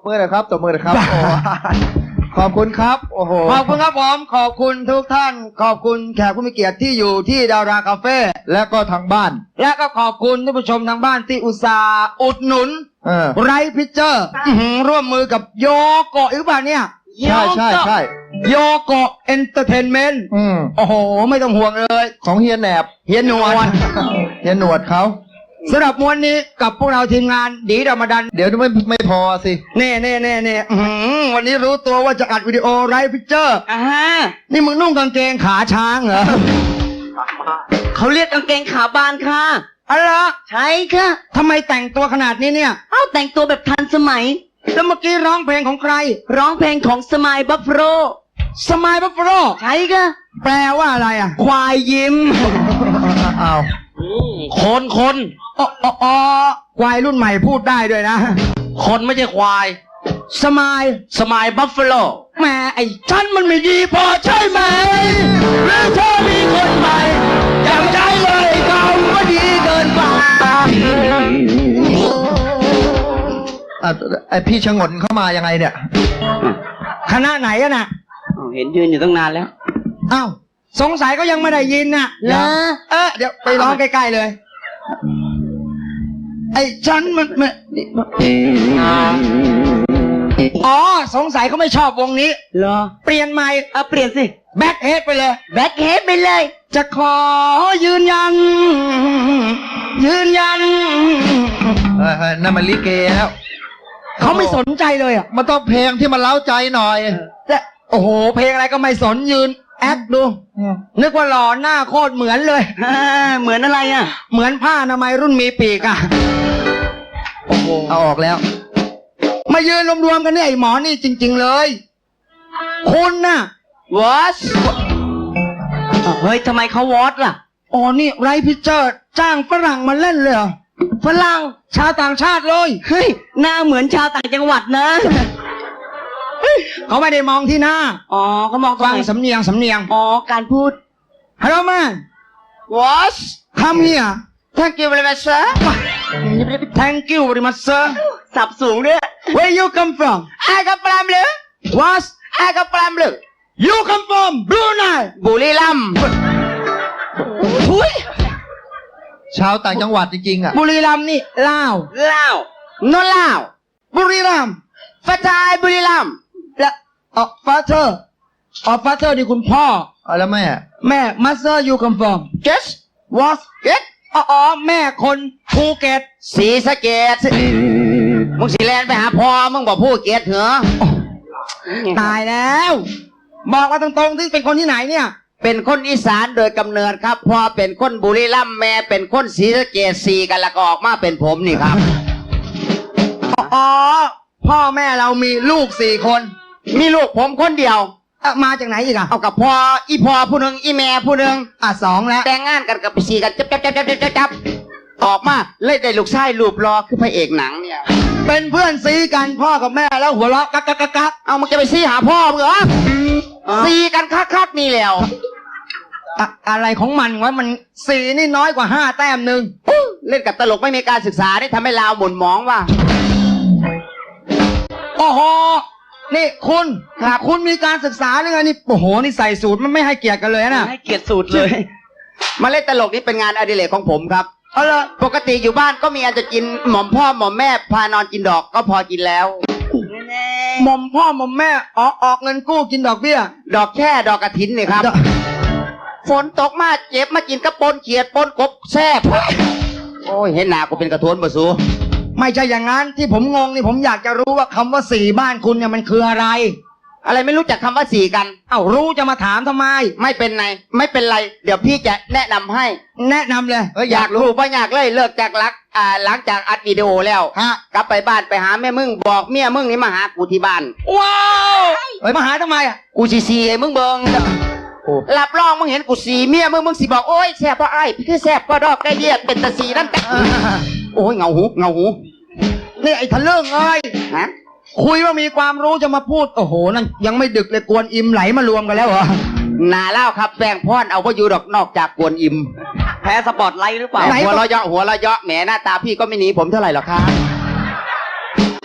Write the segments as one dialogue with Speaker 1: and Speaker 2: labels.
Speaker 1: บมือหน่อยครับตบมือหน่อยครับโอ้ขอบคุณครับโอ้โหขอบคุณครับผมขอบคุณทุกท่านขอบคุณแขกผู้มีเกียรติที่อยู่ที่ดาราคาเฟ่และก็ทางบ้านและก็ขอบคุณท่านผู้ชมทางบ้านที่อุตส่าห์อุดหนุนไรพิเจอร์ร่วมมือกับโยโกะหรือเปล่าเนี่ยใช่ใช่ใช่โยโกะเอนเตอร์เทนเมนต์โอ้โหไม่ต้องห่วงเลยของเฮียแหนบเฮียหนวดเฮียหนวดเขาสำหรับมวนนี้กับพวกเราทีมงานดีดมาดันเดี๋ยวไม่พอสิเน่วันนี้รู้ตัวว่าจะอัดวิดีโอไรพิเจอร์นี่มึงนุ่งกางเกงขาช้างเหรอ
Speaker 2: เขาเรียกกางเกงขาบานค่ะ
Speaker 1: อะไร
Speaker 2: ใช่ค่ะ
Speaker 1: ทำไมแต่งตัวขนาดนี้เนี่ย
Speaker 2: แต่งตัวแบบทันสมัย
Speaker 1: แล้วเมื่อกี้ร้องเพลงของใคร
Speaker 2: ร้องเพลงของสมายบัฟเฟโล
Speaker 1: สมายบัฟเฟโล
Speaker 2: ใช่ค่ะ
Speaker 1: แปลว่าอะไรอ่ะ
Speaker 2: ควายยิ้ม
Speaker 1: อ้าว
Speaker 2: คน
Speaker 1: อ๋อควายรุ่นใหม่พูดได้ด้วยนะ
Speaker 2: คนไม่ใช่ควายสมายบัฟเฟโล
Speaker 1: แม่ไอ้ฉันมันไม่ดีพอใช่ไหมหรือเธอมีคนใหม่อย่างใจเลยเขาไม่ดีเกินไปไอพี่ชงนเข้ามายังไงเนี่ยคณะไหนอะน่ะ
Speaker 2: เห็นยืนอยู่ตั้งนานแล้ว
Speaker 1: อ้าวสงสัยก็ยังไม่ได้ยินน่ะเดี๋ยวไปร้องใกล้ๆเลยไอ้ฉันมันอ๋อสงสัยเขาไม่ชอบวงนี้
Speaker 2: เหรอ
Speaker 1: เปลี่ยนใหม่
Speaker 2: เปลี่ยนสิ
Speaker 1: แบ็คเฮดไปเลย
Speaker 2: แบ็คเฮดไปเลย
Speaker 1: จะขอยืนยันนั่นมันลิเกแล้วเขาไม่สนใจเลยอ่ะมันต้องเพลงที่มันเล้าใจหน่อยแต่โอ้โหเพลงอะไรก็ไม่สนยืนแอคดูนึกว่าหล่อหน้าโคตรเหมือนเลย
Speaker 2: เหมือนอะไรอ่ะ
Speaker 1: เหมือนผ้าอนามัยรุ่นมีปีกอ่ะโอ้โหเอาออกแล้วมายืนรวมๆกันเนี่ยไอ้หมอนี่จริงๆเลยคุณน่ะ
Speaker 2: วอชเฮ้ยทำไมเขาวอชล่ะ
Speaker 1: อ๋อนี่ไรพิเจอร์จ้างฝรั่งมาเล่นเลย
Speaker 2: ฝรั่ง
Speaker 1: ชาวต่างชาติเลย
Speaker 2: เฮ้ยหน้าเหมือนชาวต่างจังหวัดนะ
Speaker 1: เขาไม่ได้มองที่หน้า
Speaker 2: เขามอง
Speaker 1: ฟังสำเนียง
Speaker 2: การพูด
Speaker 1: Hello man
Speaker 2: What
Speaker 1: Come here
Speaker 2: Thank you very much sir
Speaker 1: Thank you very much sir
Speaker 2: สับสูงด้วย
Speaker 1: Where you come from
Speaker 2: I come from เลย
Speaker 1: What
Speaker 2: I come from เลย
Speaker 1: You come from Brunei
Speaker 2: บุรีรัมย์
Speaker 1: ทุยชาวต่างจังหวัดจริงๆอ่ะบุรีรัมย์นี่ลาว
Speaker 2: โนลาว
Speaker 1: บุรีรัมย์
Speaker 2: ฟาทายบุรีรัมย์
Speaker 1: และฟาเธอร์ฟาเธอร์นี่คุณพ่อแล้วแม่มาสเตอร์ยูคัมฟอร์ม
Speaker 2: Yes
Speaker 1: What
Speaker 2: Yes
Speaker 1: แม่คนภูเก็ต
Speaker 2: ศรีสะเกษมึงสิแลนไปหาพ่อมึงบอกภูเก็ตเหรอ
Speaker 1: ตายแล้วบอกว่าตรงๆที่เป็นคนที่ไหนเนี่ย
Speaker 2: เป็นคนอีสานโดยกำเนิดครับพ่อเป็นคนบุรีรัมย์แม่เป็นคนศรีสะเกษ4กันแล้วก็ออกมาเป็นผมนี่ครับ
Speaker 1: พ่อแม่เรามีลูก4คน
Speaker 2: มีลูกผมคนเดียว
Speaker 1: มาจากไหนอีก
Speaker 2: เอากับพ่อผู้หนึ่งอีแม่ผู้หนึ่ง
Speaker 1: 2แล้ว
Speaker 2: แต่งงานกันกับ4กันจับออกมาเลยได้ลูกชายรูปรอคือพระเอกหนังเนี่ย
Speaker 1: เป็นเพื่อนซีกันพ่อกับแม่แล้วหัวเราะกัก
Speaker 2: เอามันจะไปซีหาพ่อมึงเหรอซีกันคักนี่แล้ว
Speaker 1: อะไรของมันวะมัน4นี่น้อยกว่า5แต้มนึง
Speaker 2: เล่นกับตลกไม่มีการศึกษาได้ทำให้ลาวหม่นหมองว่ะ
Speaker 1: โอ้โหนี่คุณมีการศึกษาหรือไงนี่โอ้โหนี่ใส่สูตรมันไม่ให้เกียรติกันเลยนะ
Speaker 2: ให้เกียรติสูตรเลยมาเล่นตลกนี่เป็นงานอดิเรกของผมครับปกติอยู่บ้านก็มีอาจจะกินหม่อมพ่อหม่อมแม่พานอนกินดอกก็พอกินแล้ว
Speaker 1: หม่อมพ่อหม่อมแม่ออกเงินกู้กินดอกเบี้ย
Speaker 2: ดอกแค่ดอกกระถินนี่ครับฝนตกมาเจ็บมากินกระปนเขียดปนกบแซ่บโอ้ยเห็นหนากูเป็นกระโถนบ่สู
Speaker 1: ไม่ใช่อย่างนั้นที่ผมงงนี่ผมอยากจะรู้ว่าคำว่า4บ้านคุณเนี่ยมันคืออะไร
Speaker 2: ไม่รู้จักคำว่า4กัน
Speaker 1: รู้จะมาถามทำไม
Speaker 2: ไม่เป็นไรเดี๋ยวพี่จะแนะนำให้
Speaker 1: แนะนำเลย
Speaker 2: อยากรู้ป่ะอยากเลยเลิกจากหลังจากอัดวิดีโอแล้วกลับไปบ้านไปหาแม่มึงบอกเมียมึงนี่มาหากูที่บ้าน
Speaker 1: ว้าวมาหาทำไม
Speaker 2: กูซีไอ้มึงเบิงรับรองมึงเห็นกูสีเมียมึงสิบอกโอ้ยแซ่บเพราะไอ้คือแซ่บเพราะดอกไก่เดียดเป็นตะสีนั่นกันโอ้ยเงาหู
Speaker 1: นี่ไอ้ทะลึ่งคุยว่ามีความรู้จะมาพูดโอ้โหนั่นยังไม่ดึกเลยกวนอิมไหลมารวมกันแล้วเหรอ
Speaker 2: นาเล่าครับแป้งพ่อนเอาว่าอยู่ดอกนอกจากกวนอิมแพ้สปอตไลท์หรือเปล่าหัวเราะเยาะแหมหน้าตาพี่ก็ไม่หนีผมเท่าไหร่หรอกครับ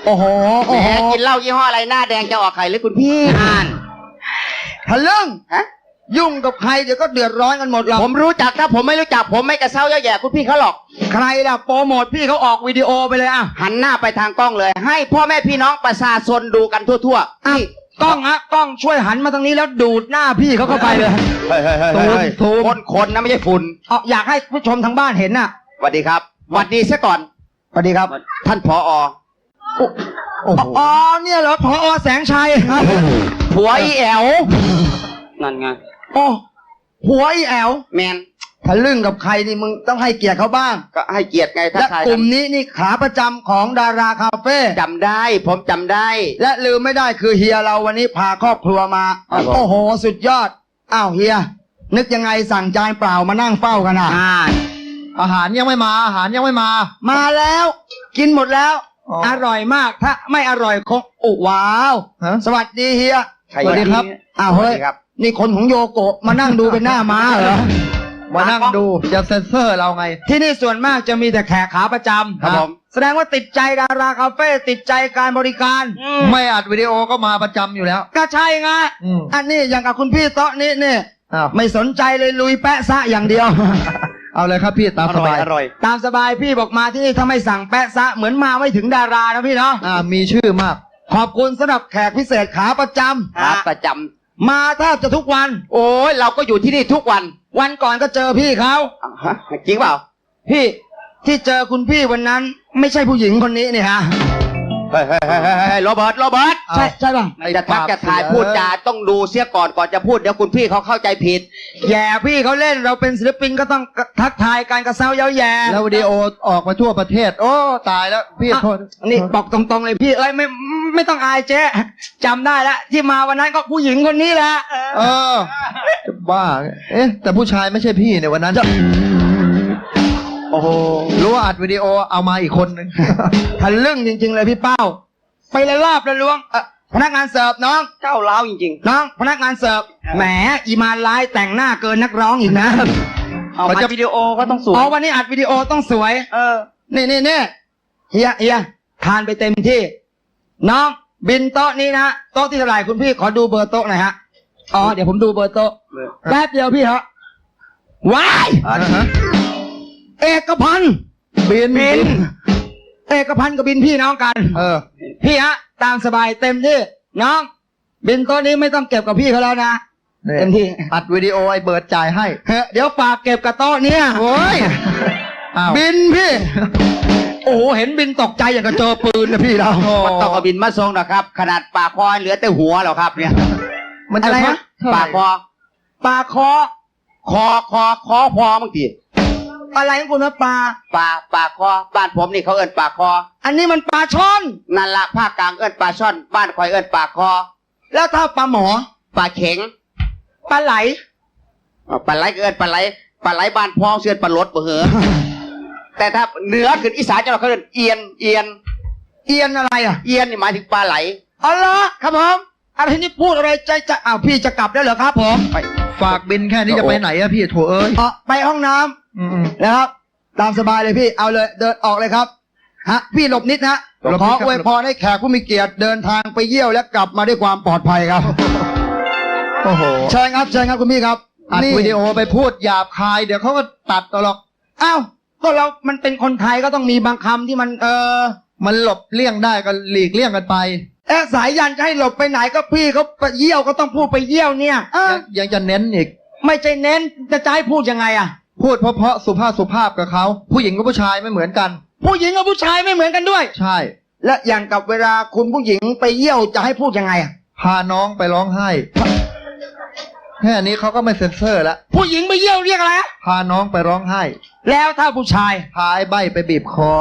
Speaker 1: โอ้โห
Speaker 2: แหมกินเหล้ายี่ห้ออะไรหน้าแดงจะออกไข่หรือคุณพี่อ่าน
Speaker 1: ทะลึ่ง
Speaker 2: ฮะ
Speaker 1: ยุ่งกับใครเดี๋ยวก็เดือดร้อนกันหมดหรอก
Speaker 2: ผมรู้จักถ้าผมไม่รู้จักผมไม่กระเซ้าเย่อแย่คุณพี่เขาหรอก
Speaker 1: ใครล่ะโปรโมทพี่เขาออกวิดีโอไปเลยอ่ะ
Speaker 2: หันหน้าไปทางกล้องเลย ให้พ่อแม่พี่น้องประชาชนดูกันทั่วๆ
Speaker 1: อ้าว
Speaker 2: นี่
Speaker 1: กล้องฮะกล้องช่วยหันมาทางนี้แล้วดูดหน้าพี่เขาเข้าไปเลย
Speaker 2: ซูมคนนะไม่ใช่ฝุ่น
Speaker 1: เอาอยากให้ผู้ชมทางบ้านเห็นน่ะ
Speaker 2: สวัสดีครับสวัสดีซะก่อน
Speaker 1: สวัสดีครับ
Speaker 2: ท่านผอ
Speaker 1: อ๋อเนี่ยเหรอผอแสงชัยครับ
Speaker 2: ผัวอีแอวนั่นไง
Speaker 1: โอ้หัวอีแอว
Speaker 2: แมน
Speaker 1: ทะลึ่งกับใครนี่มึงต้องให้เกียรติเขาบ้าง
Speaker 2: ก็ให้เกียรติไงทัก
Speaker 1: และ
Speaker 2: ทาย
Speaker 1: กลุ่มนี้นี่ขาประจำของดาราคาเฟ่
Speaker 2: จำได้ ผมจำได้
Speaker 1: และลืมไม่ได้คือเฮียเราวันนี้พาครอบครัวมา
Speaker 2: ครับผม
Speaker 1: โอ้โหสุดยอดอ้าวเฮียนึกยังไงสั่งจานเปล่ามานั่งเฝ้ากันอ่ะ
Speaker 3: อาหารยังไม่มาอาหารยังไม่มา
Speaker 1: มาแล้ว กินหมดแล้ว
Speaker 3: อ๋อ
Speaker 1: อร่อยมากถ้าไม่อร่อยคงอุว้าว
Speaker 3: ฮะ
Speaker 1: สวัสดีเฮีย
Speaker 2: ใคร
Speaker 1: สวัสดีครับ
Speaker 2: เนี่ย
Speaker 1: อ้าว
Speaker 2: สวั
Speaker 1: เฮ้
Speaker 2: ส
Speaker 1: ย
Speaker 2: ดีครับ
Speaker 1: นี่คนของโยโกะมานั่งดูเป็นหน้าม้าเหรอ
Speaker 3: มานั่งดูจะเซ็นเซอร์เราไง
Speaker 1: ที่นี่ส่วนมากจะมีแต่แขกขาประจำ
Speaker 2: ครับผม
Speaker 1: แสดงว่าติดใจดาราคาเฟ่ติดใจการบริการ
Speaker 3: ไม่อัดวิดีโอก็มาประจำอยู่แล้ว
Speaker 1: ก็ใช่ไง
Speaker 3: อืม
Speaker 1: อันนี้อย่างกับคุณพี่โต๊ะนี้นี่
Speaker 3: อ้าว
Speaker 1: ไม่สนใจเลยลุยแปะซะอย่างเดียว
Speaker 3: เอาเลยครับพี่ตามสบาย
Speaker 2: อร่อย
Speaker 1: ตามสบายพี่บอกมาที่นี่ถ้าไม่สั่งแปะซะเหมือนมาไม่ถึงดารานะพี่เนาะ
Speaker 3: มีชื่อมาก
Speaker 1: ขอบคุณสำหรับแขกพิเศษขาประจำ
Speaker 2: ครับประจ
Speaker 1: มาแทบจะทุกวัน
Speaker 2: ำโอ้ยเราก็อยู่ที่นี่ทุกวัน
Speaker 1: วันก่อนก็เจอพี่เขา
Speaker 2: ฮะจริงเปล่า
Speaker 1: พี่ที่เจอคุณพี่วันนั้น ไม่ใช่ผู้หญิงคนนี้นี่ฮะ
Speaker 2: เฮ้ยโรเบิร์ต
Speaker 1: ใช่ใช่ป่ะ
Speaker 2: จะทักจะถ่ายพูดจาต้องดูเสียก่อนจะพูดเดี๋ยวคุณพี่เขาเข้าใจผิด
Speaker 1: แย่พี่เขาเล่นเราเป็นศิลปินก็ต้องทักทายการกระเซ้าเย้าแย่
Speaker 3: แล้ววิดีโอออกมาทั่วประเทศ โอ้ตายแล้วพี่โทษ
Speaker 1: นี่บอกตรงๆเลยพี่เอ้ยไม่ต้องอายเจ๊จำได้แล้วที่มาวันนั้นก็ผู้หญิงคนนี้แหละ
Speaker 3: เออจะบ้า เอ๊ะ แต่ผู้ชายไม่ใช่พี่ในวันนั้น โอ้โหรู้ว่าอัดวิดีโอเอามาอีกคนนึง
Speaker 1: ทะลึ่งจริง ๆ เลยพี่เป้า ไปเลยรอบเลยล้วงพนักงานเสิร์ฟน้อง
Speaker 2: เจ้าเล้าวจริง
Speaker 1: น้องพนักงานเสิร์ฟแหมอีมานไลน์แต่งหน้าเกินนักร้องอีกนะ
Speaker 2: ๆเอามาวิดีโอก็ต้องสวย
Speaker 1: อ๋อวันนี้อัดวิดีโอต้องสวย นี่เฮียทานไปเต็มที่ น้องบินโต๊ะนี้นะโต๊ะที่เท่าไหร่คุณพี่ขอดูเบอร์โต๊ะหน่อยฮะอ๋อเดี๋ยวผมดูเบอร์โต๊ะแป๊บเดียวพี่ฮะว้าย เอกพันธ์
Speaker 3: บิน
Speaker 1: เอกพันธ์กับบินพี่น้องกัน
Speaker 3: เออ
Speaker 1: พี่ฮะตามสบายเต็มที่น้องบินโต๊ะนี้ไม่ต้องเก็บกับพี่เขาแล้วนะ
Speaker 3: นี่
Speaker 1: เต็มที่
Speaker 3: อัดวิดีโอไอ้เบิร์ดจ่ายให้
Speaker 1: เฮ้ยเดี๋ยวฝากเก็บกับโต๊ะเนี้ยโอ้ย
Speaker 3: อ้าว
Speaker 1: บินพี่ โอ้โหเห็นบินตกใจอย่างกับเจอปืนนะพี่เรา
Speaker 2: มันต้องเอาบินมาส่งนะครับ ขนาดปากคอเหลือแต่หัวแล้วครับเนี่ย
Speaker 3: มันจะ
Speaker 1: อะไรนะ
Speaker 3: เท่าไหร่
Speaker 2: ปากคอ
Speaker 1: ปลาคอ
Speaker 2: คอพอมึงที
Speaker 1: อะไรของคุณนะปลา
Speaker 2: ปากคอบ้านผมนี่เขาเอิ้นปากคอ
Speaker 1: อันนี้มันปลาช่อน
Speaker 2: นั่นละภาคกลางเอิ้นปลาช่อน บ้านคอยเอิ้นปากคอ
Speaker 1: แล้วถ้าปลาหมอ
Speaker 2: ปลาเข็ง
Speaker 1: ปลาไหล
Speaker 2: ปลาไหลก็เอิ้นปลาไหลบ้านพ้องเสือนปลาลดบ่เหอะแต่ถ้าเหนือขึ้นอีสานจะเราเขาเอิ้นเอียน
Speaker 1: เอียนอะไรอ่ะ
Speaker 2: เอียนนี่หมายถึงปลาไหล
Speaker 1: อ๋อเหรอครับผมอะไรที่นี่พูดอะไรใจอ้าวพี่จะกลับแล้วเหรอครับผม
Speaker 3: ฝากบินแค่นี้จะไปไหนอะพี่โถเอ้ย
Speaker 1: อ๋อไปห้องน้ำ
Speaker 3: อืม
Speaker 1: นะครับ ตามสบายเลยพี่เอาเลยเดินออกเลยครับฮะพี่หลบนิดนะ
Speaker 3: หลบ
Speaker 1: ข
Speaker 3: นิ
Speaker 1: อ
Speaker 3: ดครับ
Speaker 1: อวยพรให้แขกผู้มีเกียรติเดินทางไปเยี่ยวและกลับมาด้วยความปลอดภัยครับ
Speaker 3: โอ้โห
Speaker 1: เชิญครับคุณพี่ครับ
Speaker 3: อัด
Speaker 1: นี่
Speaker 3: วิดีโอไปพูดหยาบคาย เดี๋ยวเขาก็ตัดเอาหรอก
Speaker 1: อ้าวก็เรามันเป็นคนไทยก็ต้องมีบางคำที่มัน
Speaker 3: มันหลบเลี่ยงได้ก็หลีกเลี่ยงกันไป
Speaker 1: สายยันจะให้หลบไปไหนก็พี่เขาไปเยี่ยวก็ต้องพูดไปเยี่ยวเนี่ย
Speaker 3: ยังจะเน้นอีก
Speaker 1: ไม่ใช่เน้นจะให้พูดยังไงอ่ะ
Speaker 3: พูดเพราะๆสุภาพกับเขา ผู้หญิงกับผู้ชายไม่เหมือนกัน
Speaker 1: ผู้หญิงกับผู้ชายไม่เหมือนกันด้วย
Speaker 3: ใช่
Speaker 1: และอย่างกับเวลาคุณผู้หญิงไปเยี่ยวจะให้พูดยังไงอ่ะ
Speaker 3: พาน้องไปร้องไห้ แค่นี้เขาก็ไม่เซ็นเซอร์แล้ว
Speaker 1: ผู้หญิงไปเยี่ยวเรียกอะไรอะ
Speaker 3: พาน้องไปร้องไห้
Speaker 1: แล้วถ้าผู้ชาย
Speaker 3: พาไอ้ใบไปบีบคอ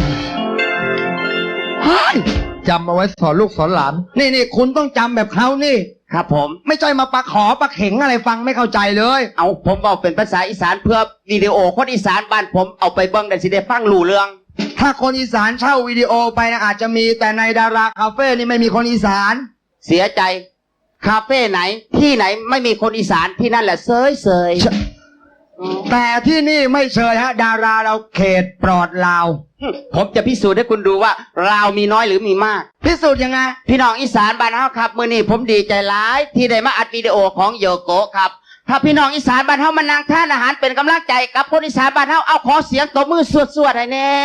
Speaker 1: เฮ้ย
Speaker 3: จำเอาไว้สอนลูกสอนหลาน
Speaker 1: นี่คุณต้องจำแบบเขานี่
Speaker 2: ครับผม
Speaker 1: ไม่ใช่มาปะขอปะเข็งอะไรฟังไม่เข้าใจเลย
Speaker 2: เอาผมบอกเป็นภาษาอีสานเพื่อวิดีโอคนอีสานบ้านผมเอาไปเบิ้งได้สิได้ฟังรู้เรื่อง
Speaker 1: ถ้าคนอีสานเช่าวิดีโอไปนะอาจจะมีแต่ในดาราคาเฟ่นี่ไม่มีคนอีสาน
Speaker 2: เสียใจ คาเฟ่ไหนที่ไหนไม่มีคนอีสานที่นั่นแหละเซย
Speaker 1: แต่ที่นี่ไม่เชยฮะ ดาราเราเขตปลอดลาว
Speaker 2: ผมจะพิสูจน์ให้คุณดูว่าเรามีน้อยหรือมีมาก
Speaker 1: พิสูจน์ยังไง
Speaker 2: พี่น้องอีสานบ้านเฮาครับมื้อนี้ผมดีใจหลายที่ได้มาอัดวิดีโอของโยโกะครับถ้าพี่น้องอีสานบ้านเฮามานั่งทานอาหารเป็นกำลังใจกับคนอีสานบ้านเฮาเอาขอเสียงตบมือสวดๆให้แน่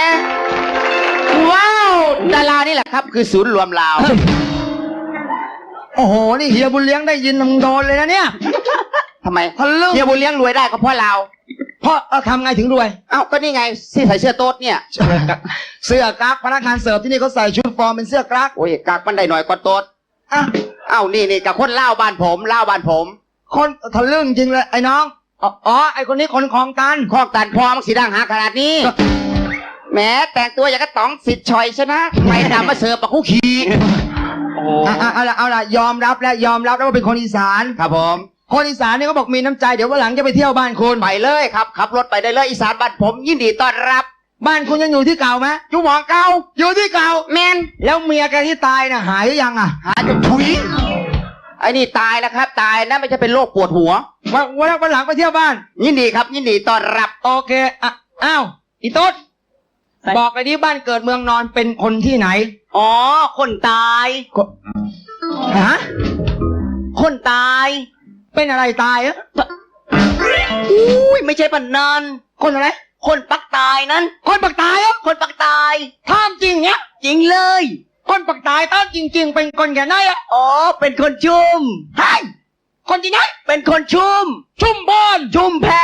Speaker 2: ว้าวดารานี่แหละครับคือศูนย์รวมลาว
Speaker 1: โอ้โห นี่เฮียบุญเลี้ยงได้ยินมึงโดนเลยนะเนี่ย
Speaker 2: ทำไม
Speaker 1: ทะลึ่ง
Speaker 2: เฮียบุญเลี้ยงรวยได้ก็เพราะเรา
Speaker 1: เพราะทำไงถึงรวย
Speaker 2: เอ้าก็นี่ไงที่ใส่เสื้อโต๊ดเนี่ย
Speaker 1: เสื้อกั๊กพนักงานเสิร์ฟที่นี่เขาใส่ชุดฟอร์มเป็นเสื้อกั๊ก
Speaker 2: โอ้ยกักมันได้หน่อยกว่าโต๊ด
Speaker 1: อ่ะ
Speaker 2: เอ้านี่กับคนเล่าวบ้านผมเล่าวบ้านผม
Speaker 1: คนทะลึ่งจริงเลยไอ้น้องอ๋อไอ้คนนี้คนของกัน
Speaker 2: ข้อตันพอมังสีดังหาขนาดนี้แหมแต่งตัวอย่างกระต๋องสิทธิ์ชอยใช่ไหมไม่ดำมาเสิร์ฟปะคุกขีโอ้
Speaker 1: เอาละยอมรับแล้วว่าเป็นคนอีสาน
Speaker 2: ครับผม
Speaker 1: คนอีสานเนี่ยเขาบอกมีน้ำใจเดี๋ยววันหลังจะไปเที่ยวบ้านคุณ
Speaker 2: ไปเลยครับขับรถไปได้เลยอีสานบ้านผมยินดีต้อนรับ
Speaker 1: บ้านคุณยังอยู่ที่เก่าไหม
Speaker 2: อยู่หมองเก่า
Speaker 1: อยู่ที่เก่า
Speaker 2: แมน
Speaker 1: แล้วเมียแกที่ตายน่ะหายหรือยังอ่ะ
Speaker 2: หาจนถุยไอ้นี่ตายแล้วครับตายนะไม่ใช่เป็นโรคปวดหัว
Speaker 1: วันหลังไปเที่ยวบ้าน
Speaker 2: ยินดีครับยินดีต้อนรับ
Speaker 1: โอเคอ่ะอ้าวอีตุ๊ดบอกเลยดิบ้านเกิดเมืองนอนเป็นคนที่ไหน
Speaker 2: อ๋อคนตาย
Speaker 1: ฮะ
Speaker 2: คนตาย
Speaker 1: เป็นอะไรตายอ่ะ
Speaker 2: อุ้ยไม่ใช่ปันนัน
Speaker 1: คนอะไร
Speaker 2: คนปักตายนั้น
Speaker 1: คนปักตายอ่ะ
Speaker 2: คนปักตาย
Speaker 1: ท่ามจริงเนี้ย
Speaker 2: จริงเลย
Speaker 1: คนปักตายท่ามจริง ๆ เป็นคนแก่ไหนอ่ะ
Speaker 2: อ๋อเป็นคนชุม
Speaker 1: ใช่คนที่ไหน
Speaker 2: เป็นคนชุม
Speaker 1: ชุมพร
Speaker 2: ชุมแพ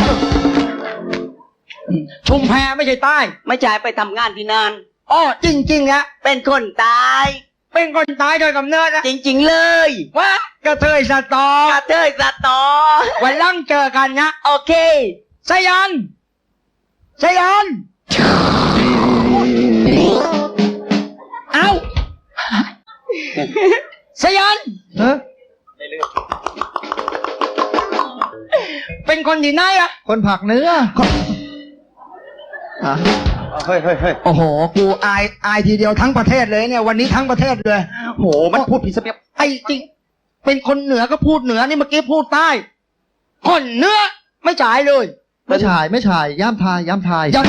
Speaker 1: ชุมแพไม่ใช่ใต้
Speaker 2: ไม่จ่ายไปทำงานที่นั่น
Speaker 1: อ๋อจริงๆนะ
Speaker 2: เป็นคนตาย
Speaker 1: เป็นคนตายโดยกำเนิดนะ
Speaker 2: จริงๆเลย
Speaker 1: ว่ากระเทยสตอก
Speaker 2: ระเทยสตอ
Speaker 1: วันหลังเจอกันนะ
Speaker 2: โอเค
Speaker 1: สยันเอาสยัน
Speaker 3: ฮะ
Speaker 1: เป็นคนที่ไหนอะ
Speaker 3: คนผักเนื้ออ่ะ
Speaker 2: เฮ้ย
Speaker 1: โอ้โห กูอายทีเดียวทั้งประเทศเลยเนี่ย วันนี้ทั้งประเทศเลย
Speaker 2: โหมันพูดผิดสเปียบ
Speaker 1: ไอ้จริง เป็นคนเหนือก็พูดเหนือนี่เมื่อกี้พูดใต้ คนเหนือไม่จ่ายเลย
Speaker 3: ไม่ฉายย่ามทาย
Speaker 1: ยัง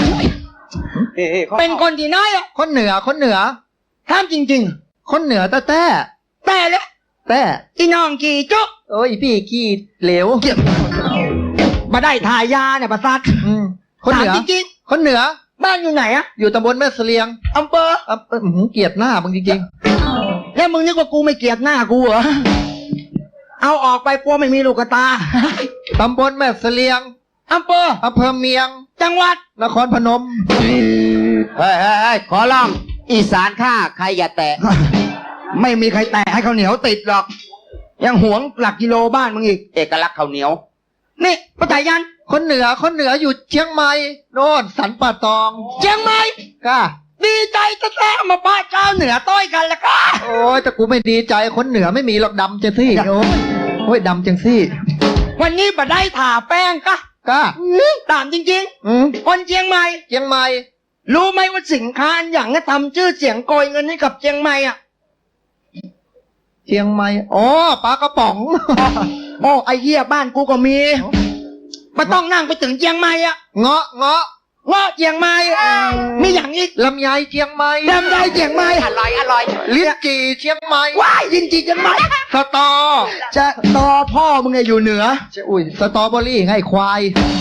Speaker 1: เป็นคนที่ไหนอะ
Speaker 3: คนเหนือ
Speaker 1: ถามจริง
Speaker 3: คนเหนือแต่
Speaker 1: ๆ แต่เลย อีน้องกี่จุ๊ก
Speaker 3: โอ้ยพี่ขี้เหลว
Speaker 1: มาได้ถ่ายยาเนี่ยประสาท
Speaker 3: คนเหนือ
Speaker 1: ถามจริง
Speaker 3: คนเหนือ
Speaker 1: ๆบ้านอยู่ไหนอะ
Speaker 3: อยู่ตำบลแม่เสลียง
Speaker 1: อำเภอ
Speaker 3: เกลียดหน้ามึงจริง
Speaker 1: แล้วมึงนึกว่ากูไม่เกลียดหน้ากูเหรอ เอาออกไปกลัวไม่มีลูกตา
Speaker 3: ๆตำบลแม่เสลียง
Speaker 1: อำเภอ
Speaker 3: อำเภอเมียง
Speaker 1: จังหวัด
Speaker 3: นครพนม
Speaker 2: เฮ้ยขอร้องอีสานข้าใครอย่าแตะ
Speaker 1: ไม่มีใครแตะให้ข้าวเหนียวติดหรอก ยังหวงหลักกิโลบ้านมึงอีก
Speaker 2: เอกลักษณ์ข้าวเหนียว
Speaker 1: นี่ป้าจ่ายยัน
Speaker 3: คนเหนืออยู่เชียงใหม่โน่นสันป่าตอง
Speaker 1: เชียงใหม่
Speaker 3: ก้า
Speaker 1: ดีใจจะแท้มาป้าเจ้าเหนือต้อยกันละค่ะ
Speaker 3: โอ้ยแต่กูไม่ดีใจคนเหนือไม่มีหรอกดำจังซี่โอ้ยดำจังซี่
Speaker 1: วันนี้บัดได้ถ่าแป้งกะ
Speaker 3: ก้า
Speaker 1: ตามจริง
Speaker 3: อืม
Speaker 1: ๆ คนเชียงใหม่
Speaker 3: เชียงใหม่
Speaker 1: รู้ไหมว่าสินค้าอันอย่างนี้ทำชื่อเสียงโกยเงินให้กับเชียงใหม่อ่ะ
Speaker 3: เชียงใหม่อ๋อปลากระป๋อง
Speaker 1: โอ้ไอ้เหี้ยบ้านกูก็มีไม่ต้องนั่งไปถึงเชียงใหม่อ่ะ
Speaker 3: เงาะ
Speaker 1: เงาะเชียงใหม่มีอย่างอีก
Speaker 3: ลำไยเชียงใหม่
Speaker 1: ดำได้เชียงใหม่
Speaker 2: อร่อย
Speaker 3: ลิ้นจี่เชียงใหม่
Speaker 1: ว้ายยินจีจังไหม
Speaker 3: สตอ
Speaker 1: จะตอพ่อมึงไงอยู่เหนือ
Speaker 3: อุ้ยสตรอเบอรี่ไงควาย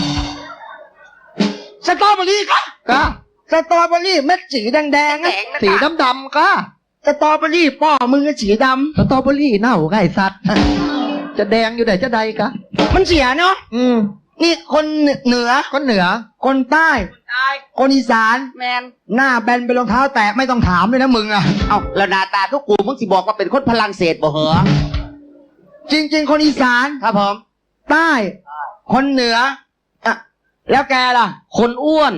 Speaker 1: สตรอเบอรี่ค่ะ
Speaker 3: ก้า
Speaker 1: สตรอเบอรี่เม็ดสีแดงๆอะ
Speaker 3: สีดำๆก้า
Speaker 1: สตรอเบอรี่พ่อมึงก็สีด
Speaker 3: สตรอเบอรี่เน่าไงสัตว์ จะแดงอยู่ไหนจะใดกะ
Speaker 1: ำมันเสียเนาะ นี่คนเหนือ
Speaker 3: คนเหนือ
Speaker 1: คนใต้ คนอีสาน
Speaker 2: แมน
Speaker 1: หน้าแบนเป็นรองเท้าแตะไม่ต้องถามเลยนะมึงอ่ะ
Speaker 2: เอาแล้วหน้าตาทุกกูมึงสิบอกว่าเป็นคนพลังเศษบ่เหรอ
Speaker 1: จริง ๆ คนอีสาน
Speaker 2: ครับผม
Speaker 1: ใต้ คนเหนืออ่ะแล้วแกล่ะ
Speaker 2: คนอ้วน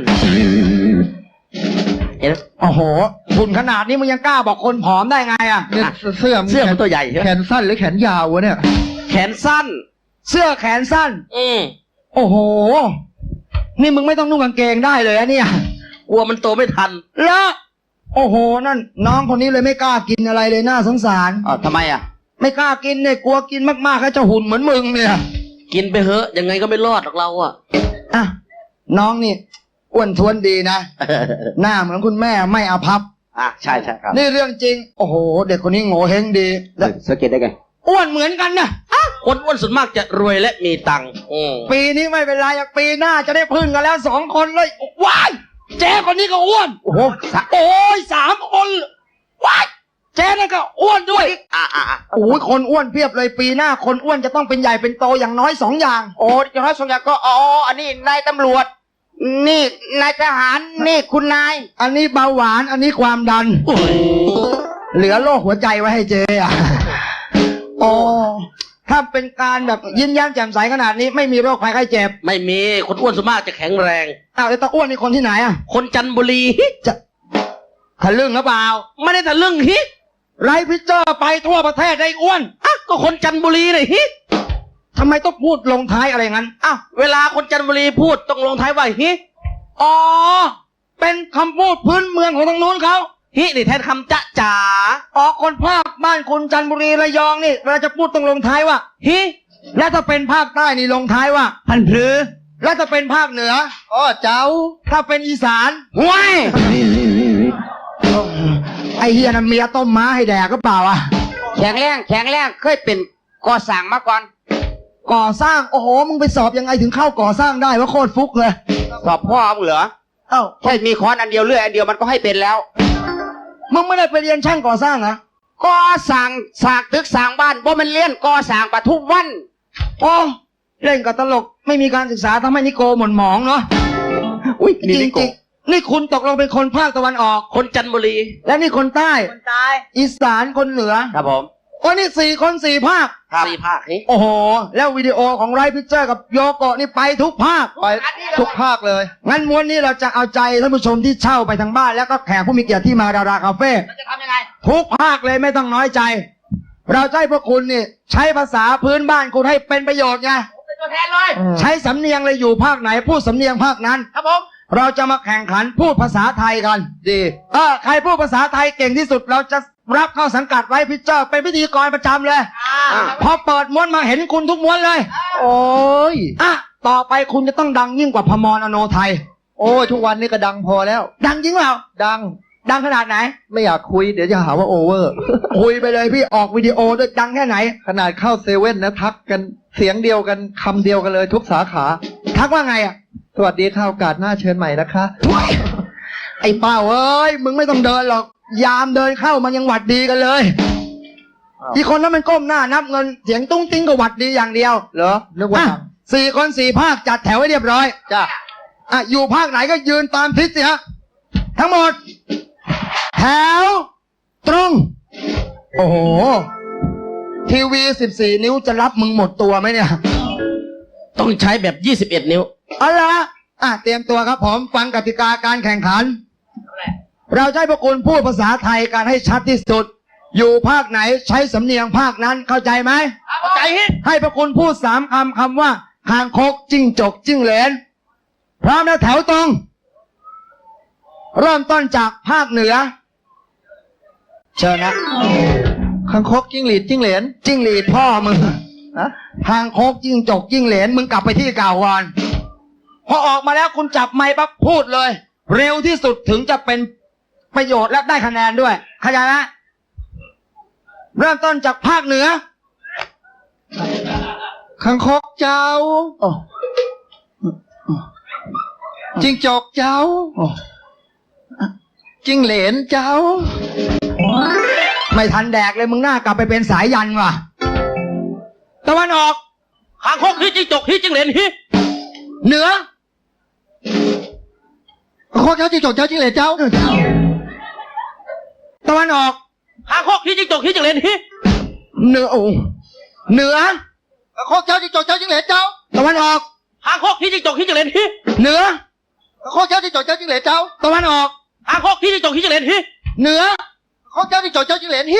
Speaker 1: โอ้โหหุ่นขนาดนี้มึงยังกล้าบอกคนผอมได้ไงอ่ะ
Speaker 3: เนี่ยเสื้อ
Speaker 2: เสื้อมันตัวใหญ่ใช่ไหม
Speaker 3: แขนสั้นหรือแขนยาววะเนี่ย
Speaker 2: แขนสั้น
Speaker 1: เสื้อแขนสั้น โอ้โห นี่มึงไม่ต้องนุ่งกางเกงได้เลยอะเนี่ย
Speaker 2: กลัวมันโตไม่ทัน
Speaker 1: แล้วโอ้โหนั่นน้องคนนี้เลยไม่กล้ากินอะไรเลยน่าสงสาร
Speaker 2: อ๋อทำไมอ่ะ
Speaker 1: ไม่กล้ากินเนี่ยกลัวกินมากๆเขาจะหุ่นเหมือนมึงเนี่ย
Speaker 2: ก
Speaker 4: กินไปเหอะยังไงก็ไม่รอดหรอกเราอ่ะ
Speaker 1: อ่ะน้องนี่อ้วนท้วนดีนะ หน้าเหมือนคุณแม่ไม่อาภัพ
Speaker 2: ใช่ครับ
Speaker 1: นี่เรื่องจริง โอ้โห เด็กคนนี้โง่เฮงดีแล้ว
Speaker 2: สังเกตได้ไง
Speaker 1: อ้วนเหมือนกันนะ
Speaker 4: คนอ้วนส่วนมากจะรวยและมีตังค์
Speaker 1: ปีนี้ไม่เป็นไรอะปีหน้าจะได้พึ่งกันแล้ว2 คนเลยว้ายเจ๊คนนี้ก็อ้วน
Speaker 2: โอ้โห
Speaker 1: โอ้ย3 คนว้ายเจ๊นี่ก็อ้วนด้วยโอ้ยคนอ้วนเพียบเลยปีหน้าคนอ้วนจะต้องเป็นใหญ่เป็นโตอย่างน้อย2 อย่าง
Speaker 2: โอ้อย่างน้อยสองอย่างก็อันนี้นายตำรวจ นี่นายทหารนี่คุณนาย
Speaker 1: อันนี้เบาหวานอันนี้ความดัน เหลือโรคหัวใจไว้ให้เจ๊อะโอ้ถ้าเป็นการแบบยิ้มแย้มแจ่มใสขนาดนี้ไม่มีโรคภัยไข้เจ็บ
Speaker 4: ไม่มีคนอ้วนส่วนมากจะแข็งแรง
Speaker 1: อ้าวแล้วตาอ้วนนี่คนที่ไหนอะ
Speaker 4: คนจันทบุรี
Speaker 1: ทะลึ่งหรือเปล่า
Speaker 4: ไม่ได้แต่เรื่องฮิ
Speaker 1: ไรพิเจอร์ไปทั่วประเทศได้อ้วน
Speaker 4: ก็คนจันทบุรีเลยฮิ
Speaker 1: ทำไมต้องพูดลงท้ายอะไรงั้น
Speaker 4: เวลาคนจันทบุรีพูดต้องลงท้ายว่าฮิ
Speaker 1: อ๋อ เป็นคำพูดพื้นเมืองของทางนู้นเขา
Speaker 4: ฮินี่แทนคำจ๊ะจ๋า
Speaker 1: อ๋อ คนภาคบ้านคุณจันทบุรีระยองนี่เวลาจะพูดต้องลงท้ายว่า
Speaker 4: ฮิ
Speaker 1: และถ้าเป็นภาคใต้นี่ลงท้ายว่า
Speaker 4: พันพรือ
Speaker 1: และถ้าเป็นภาคเหนือ
Speaker 3: เจ้า
Speaker 1: ถ้าเป็นอีสาน
Speaker 2: ห้วย
Speaker 1: ไอเฮียนั่นเมียต้มม้าให้แดกก็เปล่าอ่ะ
Speaker 2: แข็งแรงเคยเป็นก่อสร้างมาก่อน
Speaker 1: ก่อสร้างโอ้โหมึงไปสอบยังไงถึงเข้าก่อสร้างได้ว่าโคตรฟุกเลย
Speaker 2: สอบพ่อมึงเหรอ
Speaker 1: เอ้า
Speaker 2: แค่มีค้อนอันเดียวเลื่อยอันเดียวมันก็ให้เป็นแล้ว
Speaker 1: มึงไม่ได้ไปเรียนช่างก่อสร้างนะ
Speaker 2: ก่อสร้างสร้างตึกสร้างบ้านบ่มันเลี้ยนก่อสร้างปะทุกวัน
Speaker 1: โอ้เล่นกับตลกไม่มีการศึกษาทำให้นิโกหม่นหมองเนาะ
Speaker 2: อุ้ย
Speaker 1: จริงๆนี่คุณตกลงเป็นคนภาคตะวันออก
Speaker 4: คนจันทบุรี
Speaker 1: และนี่คนใต้ อีสานคนเหนือ
Speaker 2: ครับผม
Speaker 1: โอ้นี่4 คน4 ภาค
Speaker 4: สี่ภาคฮิ
Speaker 1: โอ้โห แล้ววิดีโอของไรพิเจอร์กับโยโกะนี่ไปทุกภาค
Speaker 3: ไปทุกภาคเลย
Speaker 1: งั้นม้วนนี้เราจะเอาใจท่านผู้ชมที่เช่าไปทางบ้านแล้วก็แขกผู้มีเกียรติที่มาดาราคาเฟ่
Speaker 2: จะทำยังไง
Speaker 1: ทุกภาคเลยไม่ต้องน้อยใจ เราจะให้พวกคุณนี่ใช้ภาษาพื้นบ้านคุณให้เป็นประโยชน์ไง
Speaker 2: เป็นตัวแทนเลย
Speaker 1: ใช้สำเนียงเลยอยู่ภาคไหนพูดสำเนียงภาคนั้น
Speaker 2: ครับผม
Speaker 1: เราจะมาแข่งขันพูดภาษาไทยกัน
Speaker 3: ดี
Speaker 1: ใครพูดภาษาไทยเก่งที่สุดเราจะรับเข้าสังกัดไว้พิเจอร์เป็นพิธีกรประจำเลยพอเปิดม้วนมาเห็นคุณทุกม้วนเลย
Speaker 3: โอ้ย
Speaker 1: ต่อไปคุณจะต้องดังยิ่งกว่าพมรอโนไทย
Speaker 3: โอ้ยทุกวันนี้ก็ดังพอแล้ว
Speaker 1: ดังจริงเปล่า
Speaker 3: ดัง
Speaker 1: ขนาดไหน
Speaker 3: ไม่อยากคุยเดี๋ยวจะหาว่าโอเวอร์
Speaker 1: คุยไปเลยพี่ออกวิดีโอด้วยดังแค่ไหน
Speaker 3: ขนาดเข้าเซเว่นนะทักกันเสียงเดียวกันคำเดียวกันเลยทุกสาขา
Speaker 1: ทักว่าไงอ่ะ
Speaker 3: สวัสดีค่ะโอกาสหน้าเชิญใหม่นะคะ
Speaker 1: ไอ้เป้าเอ้ยมึงไม่ต้องเดินหรอกยามเดินเข้ามันยังหวัดดีกันเลย
Speaker 3: อ้าว
Speaker 1: อีกคนนั้นมันก้มหน้านับเงินเสียงตุ้งติ้งก็หวัดดีอย่างเดียว
Speaker 3: เหรอนึกว่าดัง
Speaker 1: 4 คน 4 ภาคจัดแถวให้เรียบร้อย
Speaker 3: จ้า
Speaker 1: อยู่ภาคไหนก็ยืนตามทิศสิฮะทั้งหมด แถว ตรง โอ้โห ทีวี14 นิ้วจะรับมึงหมดตัวไหมเนี่ย
Speaker 4: ต้องใช้แบบ21 นิ้ว
Speaker 1: เอาละเตรียมตัวครับผมฟังกติกาการแข่งขัน เราจะให้พวกคุณพูดภาษาไทยกันให้ชัดที่สุด อยู่ภาคไหนใช้สำเนียงภาคนั้นเข้าใจไหม
Speaker 4: เข้าใจฮิ
Speaker 1: ให้พวกคุณพูด3 คำว่าคางคกจิ้งจกจิ้งเหลนพร้อมแล้วแถวตรง เริ่มต้นจากภาคเหนือ เชิญนะ
Speaker 3: คังคกจิ้งหรีดจิ้งเหลน
Speaker 1: จิ้งหรีดพ่อมึง
Speaker 3: ฮะ
Speaker 1: คางคกจิ้งจกจิ้งเหลนมึงกลับไปที่เก่าก่อนพอออกมาแล้วคุณจับไมค์ปั๊บพูดเลย เร็วที่สุดถึงจะเป็นประโยชน์และได้คะแนนด้วยเข้าใจไหมเริ่มต้นจากภาคเหนือ
Speaker 3: คังคกเจ้า
Speaker 1: โอ้
Speaker 3: จิ้งจกเจ้า
Speaker 1: โอ้
Speaker 3: จิ้งเหลนเจ้า
Speaker 1: ไม่ทันแดกเลยมึงหน้ากลับไปเป็นสายยันว่ะตะวันออก
Speaker 4: คางคกฮิจิ้งจกฮิจิ้งเหลนฮิ
Speaker 1: เหนือ
Speaker 3: คังคกเจ้าจิ้งจกเจ้าจิ้งเหลนเจ้า
Speaker 1: ตะวันออก
Speaker 4: คางคกฮิจิ้งจกฮิจิ้งเหลนฮิ
Speaker 1: เหนือโอ้เหนือ
Speaker 3: คังคกเจ้าจิ้งจกเจ้าจิ้งเหลนเจ้า
Speaker 1: ตะวันออก
Speaker 4: คางคกฮิจิ้งจกฮิจิ้งเหลนฮิ
Speaker 1: เหนือ
Speaker 3: คังคกเจ้าจิ้งจกเจ้าจิ้งเหลนเจ้า
Speaker 1: ตะวันออก
Speaker 4: คางคกฮิจิ้งจกฮิจิ้งเหลนฮิ
Speaker 1: เหนือ
Speaker 3: คังคกเจ้าจิ้งจกเจ้าจิ้งเหลนฮิ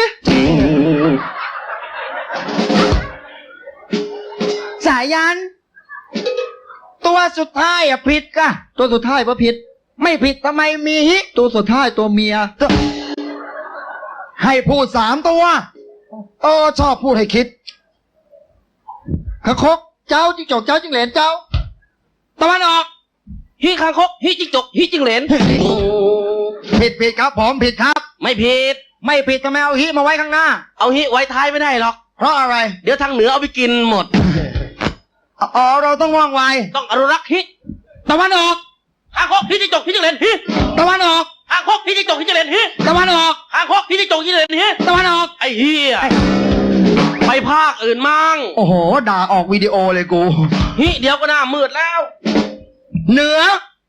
Speaker 1: สายยัน ตัวสุดท้ายผิดกะ
Speaker 3: ตัวสุดท้ายพระผิด
Speaker 1: ไม่ผิดทำไมมีฮิ
Speaker 3: ตัวสุดท้ายตัวเมีย
Speaker 1: ให้พูด3 ตัวชอบพูดให้คิด
Speaker 3: คังคกเจ้าจิ้งจกเจ้าจิ้งเหลนเจ้า
Speaker 4: ตะวันออกฮิคางคกฮิจิงจกฮิจิงเหลน
Speaker 1: ผิดครับผมผิดครับ
Speaker 4: ไม่ผิด
Speaker 1: ไม่ผิดทำไมเอาฮิมาไว้ข้างหน้า
Speaker 4: เอาฮิไว้ท้ายไม่ได้หรอก
Speaker 1: เพราะอะไร
Speaker 4: เดี๋ยวทางเหนือเอาไปกินหมด
Speaker 1: อ๋อเราต้องว่องไว
Speaker 4: ต้องอนุรักษ์ฮิ
Speaker 1: ตะวันออก
Speaker 4: คางคกฮิจิงจกฮิจิงเหลนฮิ
Speaker 1: ตะวันออก
Speaker 4: คางคกฮิจิงจกฮิจิงเหลนฮิ
Speaker 1: ตะวันออก
Speaker 4: คางคกฮิจิงจกฮิจิงเหลนฮิ
Speaker 1: ตะวันออก
Speaker 4: ไอ้เฮียไปภาคอื่นมั่ง
Speaker 1: โอ้โหด่าออกวิดีโอเลยกู
Speaker 4: ฮิเดี๋ยวก็หน้ามืดแล้ว
Speaker 1: เหนือ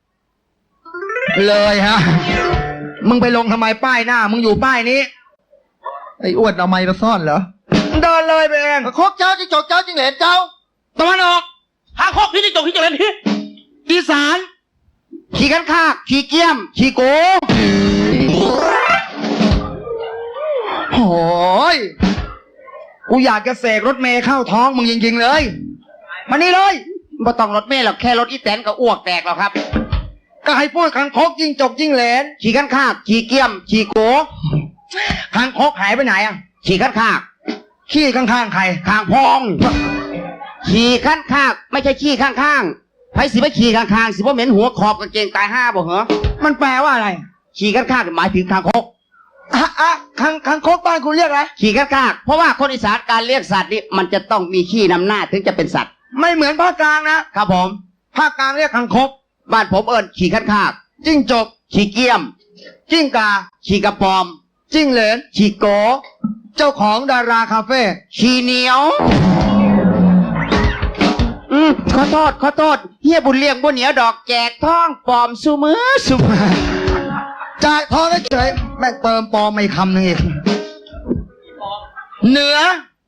Speaker 1: เลยฮะ มึงไปลงทำไมป้ายหน้า มึงอยู่ป้ายนี้
Speaker 3: ไอ้อ้วนเอาไม้มาซ่อนเหรอ
Speaker 1: เดินเลยไปเอง
Speaker 3: คกเจ้าจิ้งจกเจ้าจิ้งเหลนเจ้า
Speaker 1: ตะวันออก
Speaker 4: คางคกฮิจิงจกฮิจิงเหลนฮิ
Speaker 1: อีสาน
Speaker 2: ขี่กันคากขี่เกี้ยมขี่โก
Speaker 1: โอ้ยกูอยากจะเสกรถเมย์เข้าท้องมึงจริงๆเลย มานี่เลย
Speaker 2: บ่ต้องรถเมล์หรอกแค่รถอีแตนก็อ้วกแตกแล้วครับ
Speaker 1: ก็ให้พูดคังคกจิ้งจกจิ้งเหลน
Speaker 2: ขี่กันคากขี่เกี้ยมขี่โก
Speaker 1: คังคกหายไปไหนอ่ะ
Speaker 2: ขี่กันคาก
Speaker 1: ขี้ข้างๆใคร
Speaker 2: ข้างพอง ขี่ขั้นคากไม่ใช่ขี้ข้างๆไผสิไปขี่ข้างๆสิบ่เหม็นหัวขอบกางเกงตายห้าบ่เหรอ
Speaker 1: มันแปลว่าอะไร
Speaker 2: ขี่ขั้นคากหมายถึงคางคก
Speaker 1: คังคกบ้านคุณเรียกอะไร
Speaker 2: ขี่ขั้นคากเพราะว่าคนอีสานการเรียกสัตว์นี่มันจะต้องมีขี้นำหน้าถึงจะเป็นสัตว์
Speaker 1: ไม่เหมือนภาคกลางนะครับ
Speaker 2: ผม
Speaker 1: ภาคกลางเรียกคังคก
Speaker 2: บ้านผมเอิญขี่ขั้นคาก
Speaker 1: จิ้งจก
Speaker 2: ขี่เกี้ยม
Speaker 1: จิ้งกา
Speaker 2: ขี่กระปอม
Speaker 1: จิ้งเหลน
Speaker 2: ขี่โก
Speaker 1: เจ้าของดาราคาเฟ่
Speaker 2: ขี่เหนียวขอโทษเฮียบุญเลี้ยงบุญเหนียวดอกแจกท่องปลอมสุมือ
Speaker 1: จ่ายทองเฉยแม่งเติมปลอมไม่คำหนึ่งอีกเหนือ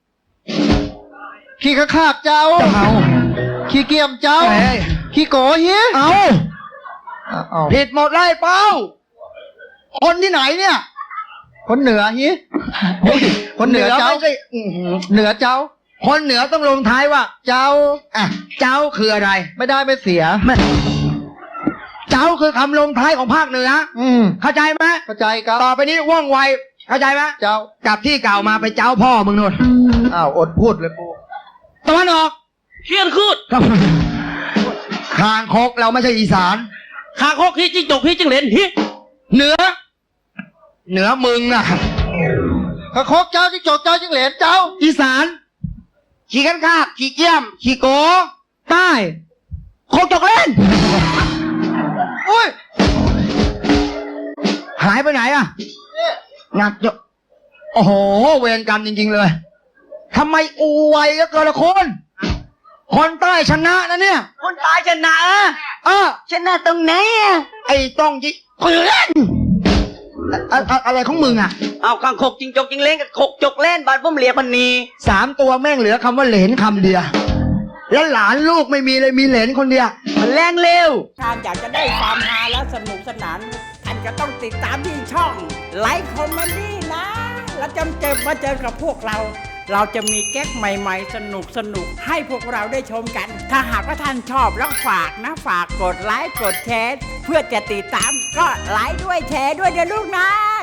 Speaker 3: ขี้ข้าคากเจ้า
Speaker 1: จะเอา
Speaker 3: ขี้เกียมเจ้า
Speaker 1: เฮ้ย
Speaker 3: ขี้โกเฮีย
Speaker 1: เอา
Speaker 3: เอา
Speaker 1: ผิดหมดเลยเป้า คนที่ไหนเนี่ย
Speaker 3: คนเหนือเฮียคนเหนือเจ้า
Speaker 1: ไม่ใช่อื้อหือ
Speaker 3: เหนือเจ้า
Speaker 1: คนเหนือต้องลงท้ายว่า
Speaker 3: เจ้า
Speaker 1: อ่ะเจ้าคืออะไร
Speaker 3: ไม่ได้ไม่เสีย
Speaker 1: เจ้าคือคำลงท้ายของภาคเหนือ เข้าใจไหม
Speaker 3: เข้าใจครับ
Speaker 1: ต่อไปนี้ว่องไว เข้าใจไหม
Speaker 3: เจ้าก
Speaker 1: ลับที่เก่ามาไปเจ้าพ่อมึงนู่น
Speaker 3: อ้าวอดพูดเลยกู
Speaker 1: ตะวันออก
Speaker 4: เฮียนคืด
Speaker 1: คางคกเราไม่ใช่อีสาน
Speaker 4: คางคกฮิจิงจกฮิจิงเหลนฮิ
Speaker 1: เหนือ เหนือมึงน่ะ
Speaker 3: คกเจ้าจิ้งจกเจ้าจิ้งเหลนเจ้า
Speaker 1: อีสาน
Speaker 2: ขี่กันคากขี่เกี้ยมขี่โก
Speaker 1: ใต้โคกจกเล่น
Speaker 3: อุ้ย
Speaker 1: หายไปไหนอ่ะหนักจะโอ้โห เวรกรรมจริงๆเลยทำไมอูไวก็เกินละคน คนใต้ชนะนะเนี่ย
Speaker 2: คนตายชนะ ชนะตรงไหน
Speaker 1: ไอ้ต้องยิเพื่อนอะไรของมึงอ่ะ
Speaker 2: เอาคางคกจิงจกจิงเล่นกับคกจกเล่นบ้านผมเรียกมันนี
Speaker 1: 3 ตัวแม่งเหลือคำว่าเหลนคำเดียว แล้วหลานลูกไม่มีเลยมีเหลนคนเดียว
Speaker 2: มันแรงเร็ว
Speaker 5: ทานอยากจะได้ความฮาและสนุกสนาน ท่านก็ต้องติดตามที่ช่องไลฟ์คอมเมดี้นะ แล้วจะมาเจอกับพวกเรา เราจะมีแก๊กใหม่ๆ สนุกให้พวกเราได้ชมกัน ถ้าหากว่าท่านชอบแล้วฝากนะ ฝากกดไลค์กดแชร์เพื่อจะติดตามก็ไลค์ด้วยแชร์ด้วยเดี๋ยวลูกนะ